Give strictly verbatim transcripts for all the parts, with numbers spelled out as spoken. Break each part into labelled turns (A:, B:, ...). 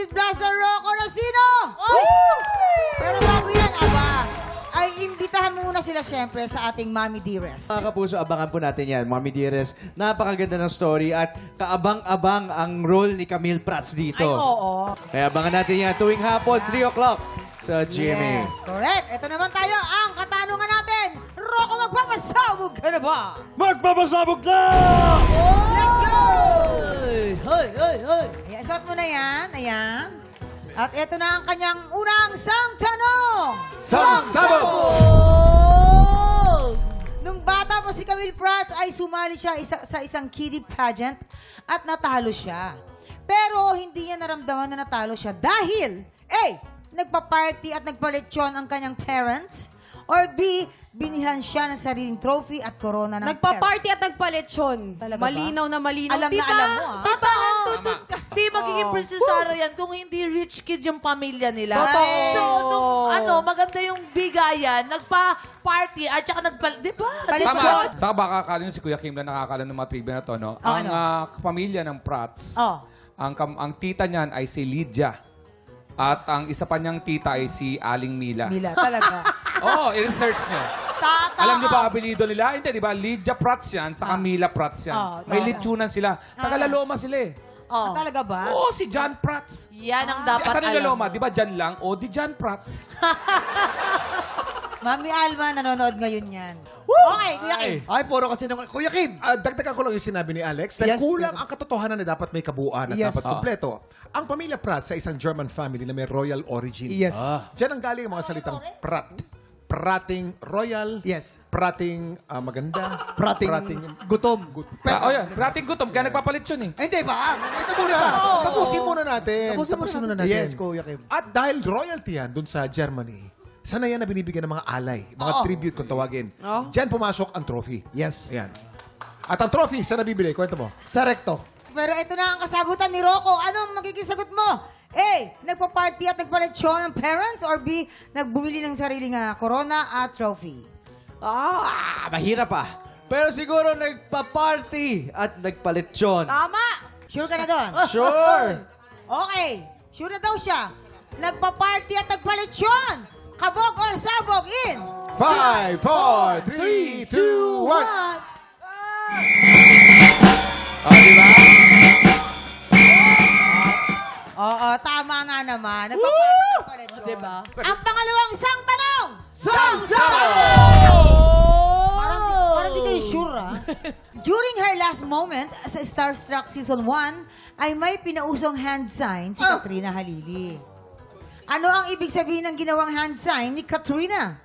A: Visit Plaza Rocco na sino? Pero bago yan, aba, ay imbitahan muna sila syempre sa ating Mommy Dearest.
B: Mga kapuso, abangan po natin yan. Mommy Dearest, napakaganda ng story at kaabang-abang ang role ni Camille Prats dito.
A: Ay, oo.
B: Kaya abangan natin yan tuwing hapon, three o'clock sa G M A.
A: Yes, correct. Ito naman tayo, ang katanungan natin. Rocco, magpapasabog ka na ba?
B: Magpapasabog na!
A: Let's go!
C: Hoy, hoy, hoy, hoy.
A: Ayan, suot mo na yan. Ayan. At ito na ang kanyang unang sang tanong.
D: Sangsabog!
C: Oh!
A: Nung bata pa si Camille Prats ay sumali siya isa, sa isang kiddie pageant at natalo siya. Pero hindi niya naramdaman na natalo siya dahil A. Nagpa-party at nagpaletsyon ang kanyang parents, or B. Binihan siya ng sariling trophy at corona ng
E: Nagpa-party at nagpalechon.
A: Talaga ba?
E: Malinaw na malinaw.
A: Alam na
E: Diba?
A: alam mo, ah.
E: Diba?
C: Di magiging Princess Sarah yan kung hindi rich kid yung pamilya nila.
E: Totoo.
C: So, nung ano, maganda yung bigayan, nagpa-party at saka nagpa... Di ba?
A: Palit-
F: Tama. Saka baka akala nyo si Kuya Kim lang nakakala ng mga trivia na to, no?
A: Oh,
F: ang
A: ano?
F: ah, pamilya ng Prats,
A: Oh.
F: ang, kam- ang tita niyan ay si Lydia. At ang isa pa niyang tita ay si Aling Mila.
A: Mila, talaga.
F: Oo, oh, i-research nyo.
C: Tata.
F: Alam niyo ba ang apelido nila? Hindi, di ba? Lydia Prats yan, saka Mila Prats yan.
A: Oh,
F: May
A: tama.
F: litsunan sila. Taga-Laloma sila eh.
C: Oh.
A: Talaga ba?
F: Oo, si John Prats.
C: Yan ang dapat
F: Saan yung
C: alam
F: Laloma?
C: mo.
F: Di ba John lang? O, di John Prats.
A: Mami Alma, nanonood ngayon yan. Okay, Kuya Kim.
D: Ay, puro kasi nung... Kuya Kim, ah, dagdagan ko lang yung sinabi ni Alex. Dahil
B: Yes,
D: kulang
B: Kuya.
D: ang katotohanan na dapat may kabuuan at
B: Yes.
D: dapat kumpleto. Ang pamilya Pratt sa isang German family na may royal origin.
B: Yes.
D: Diyan ang galing ang mga salitang Pratt. Prating royal.
B: Yes.
D: Prating ah, maganda.
B: Prating, gutom.
F: Ah, oh, yan. Rating gutom. Kaya nagpapalit yun eh.
D: Ay, hindi ba? Ito muna. Tapusin muna natin.
B: Tapusin
D: muna natin.
B: Yes, Kuya Kim.
D: At dahil royalty yan dun sa Germany, sana yan na binibigyan ng mga alay, mga tribute kung tawagin.
E: Oh.
D: Diyan pumasok ang trophy.
B: Yes.
D: Ayan. At ang trophy, saan nabibili? Kwento mo.
B: Sa recto.
A: Pero ito na ang kasagutan ni Rocco. Anong magiging sagot mo? A. Nagpa-party at nagpaletsyon ng parents, or B. Nagbumili ng sariling ah, corona at trophy.
B: Ah, mahirap ah. Pero siguro nagpa-party at nagpaletsyon.
E: Tama!
A: Sure ka na doon?
B: Sure.
A: Okay. Sure na daw siya. Nagpa-party at nagpaletsyon. Kabog or sabog in.
D: Five, four, three, two, one.
F: Oh, di ba?
A: Oo, tama nga naman. Nagpa-party at nagpaletsyon.
C: Diba?
A: Ang pangalawang sang tanong. Parang, parang di kayo sure, ah. During her last moment sa Starstruck Season one, ay may pinausong hand sign si Katrina Halili. Ano ang ibig sabihin ng ginawang hand sign ni Katrina?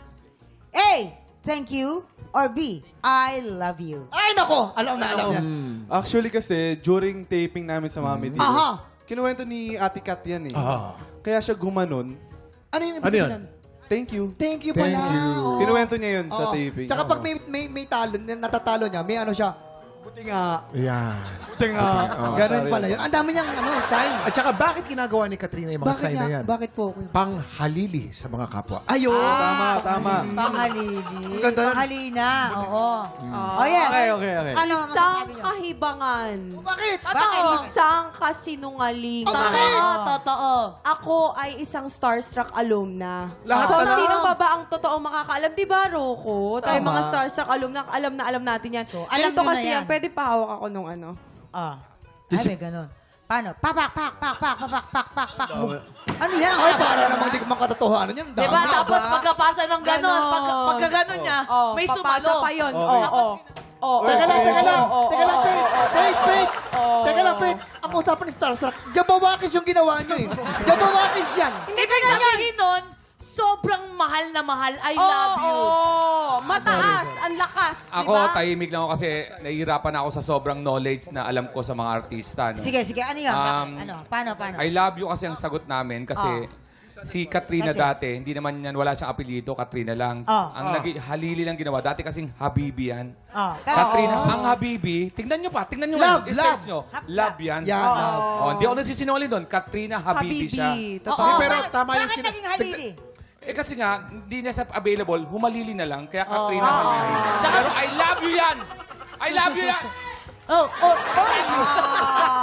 A: A. Thank you. Or B. I love you.
B: Ay, nako. Alam na, alam na.
G: Actually kasi, during taping namin sa Mami Dearest,
A: Aha.
G: kinuwento ni Ate Kat yan eh.
D: Ah.
G: Kaya siya gumanon.
B: Ano yung
D: Ano yun?
G: Thank you.
B: Thank you pala.
D: Thank you.
B: Oo.
G: Kinuwento niya yun sa
B: Oo.
G: taping.
B: Tsaka pag may, may, may talo, natatalo niya, may ano siya, buti nga,
D: Ayan.
B: buti nga. Ganun
G: sorry.
B: pala yun. Ang dami niyang ano, sign.
D: At saka bakit ginagawa ni Katrina yung mga
B: Bakit
D: sign
B: nga?
D: na yan?
B: Bakit po? Kuya?
D: Panghalili sa mga kapwa.
B: Ayun.
G: Tama, tama.
A: Panghalili.
B: Ang ganda nun.
A: Panghalina. Oo. Oh, yes.
B: Okay, okay, okay.
A: Ano ang
E: Isang
A: masasabi niyo?
E: kahibangan.
D: Bakit?
A: Bakit?
E: Isang kasinungaling.
C: Totoo, totoo.
E: Ako ay isang starstruck alumna.
D: Lahat
E: so,
D: na lang.
E: sino pa ba ang totoong makakaalam? Di ba, Rocco? Tayo
B: Tama.
E: mga starstruck alumna, alam na alam natin yan.
A: So, alam
E: Ganito
A: nyo na
E: kasi
A: yan.
E: yan. Pwede pa hawak ako nung ano.
A: Ah. Ay, may ganun. Paano? Papak, pak, pak, pak, papak, pak, pak, pak. Ano yan? Ang
B: Ay,
A: haba.
B: para namang di ko makatotohanan yun.
C: Di ba? Tapos pagkapasa ng ganon,
E: Ganon.
C: pag, pagka ganon niya,
E: Oh,
C: may
E: papasa
C: sumalo.
E: pa yun.
G: Okay.
E: Oo, oo. Oo,
B: Teka lang,
E: oo,
B: teka lang.
E: oo, oo,
B: Teka lang,
E: oo,
B: Pete.
E: oo,
B: Pete, Pete.
E: oo.
B: Teka lang, Pete. Ang usapan ni Starstruck, Jabawakis yung ginawa niyo eh. Jabawakis yan.
C: Ibig sabihin nun, sobrang mahal na mahal. I love you.
E: Oo, mataas, ang lakas, di
F: Ako,
E: ba?
F: tahimik lang ako kasi nahihirapan ako sa sobrang knowledge na alam ko sa mga artista. No?
A: Sige, sige. Ano yan? Bakit?
F: Um,
A: Ano? Paano, paano?
F: I love you kasi ang sagot namin kasi si Katrina
A: Kasi?
F: dati, hindi naman yan, wala siyang apelyido, Katrina lang.
A: Oh.
F: Ang nagi- halili lang ginawa. Dati kasing Habibi yan.
A: Oh,
F: Katrina, ang Habibi, tingnan nyo pa, tingnan nyo
B: Love,
F: ngayon, i-search
B: love.
F: nyo.
A: Hap-
F: Love yan.
B: Yan,
E: Oo.
B: love.
F: Oh, hindi ako nagsisinungaling doon. Katrina Habibi, siya.
E: Habibi.
A: Oo,
E: Totoo.
D: pero
A: bakit-
D: tama yung
A: Bakit
D: sina-
A: naging halili?
F: Eh kasi nga, hindi niya sa available, humalili na lang. Kaya Katrina
C: Oh.
F: Habibi.
C: Tsaka-
F: Pero I love you yan! I love you yan!
C: Oh, oh, oh.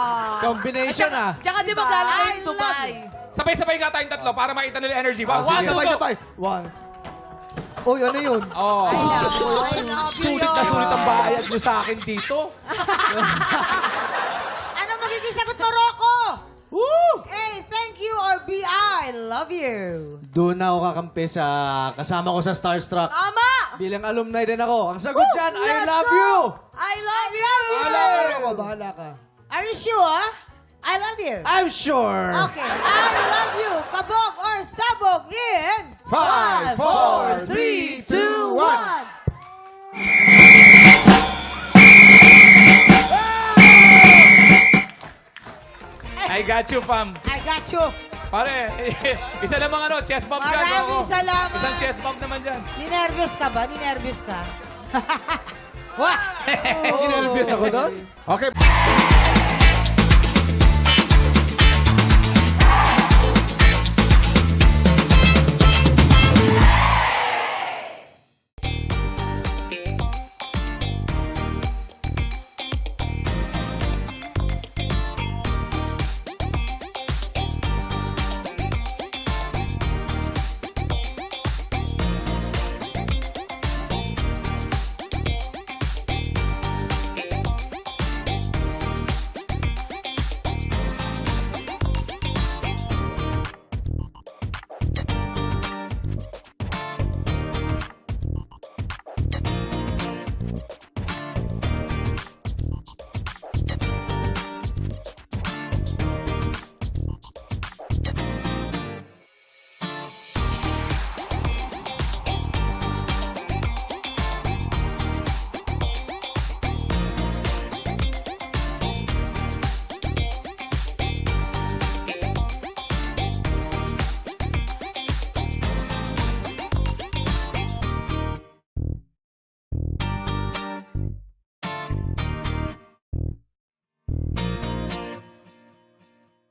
B: Combination ah.
C: Tsaka di ba galing kayo
A: I
C: sa Dubai?
F: Sabay-sabay nga tayong tatlo para makita nila yung energy.
B: Ah,
F: One,
B: sige.
F: two,
G: Sabay,
F: go!
G: sabay. One. Uy, ano yun?
F: Oh.
C: Sulit na sulit ang
F: bayad nyo sa akin dito.
A: Ano magiging sagot mo, Rocco? Woo! A, thank you, or B, I love you.
B: Doon na ako kakampi sa kasama ko sa Starstruck.
E: Tama!
B: Bilang alumni din ako. Ang sagot dyan, I
E: Let's
B: love
E: go!
B: you!
E: I love you!
G: Bahala ka, Rocco. Bahala ka.
A: Are you sure? I love you.
B: I'm sure.
A: Okay, I love you. Kabog or sabog in...
D: Five, four, three, two, one.
F: I got you, fam.
A: I got you.
F: Pare, isa namang ano, chest bump dyan.
A: Maraming
F: oo.
A: salamat.
F: Isang chest bump naman dyan.
A: Ninervyos ka ba? Ninervyos ka? Wah!
B: Nervous ako doon.
D: Okay.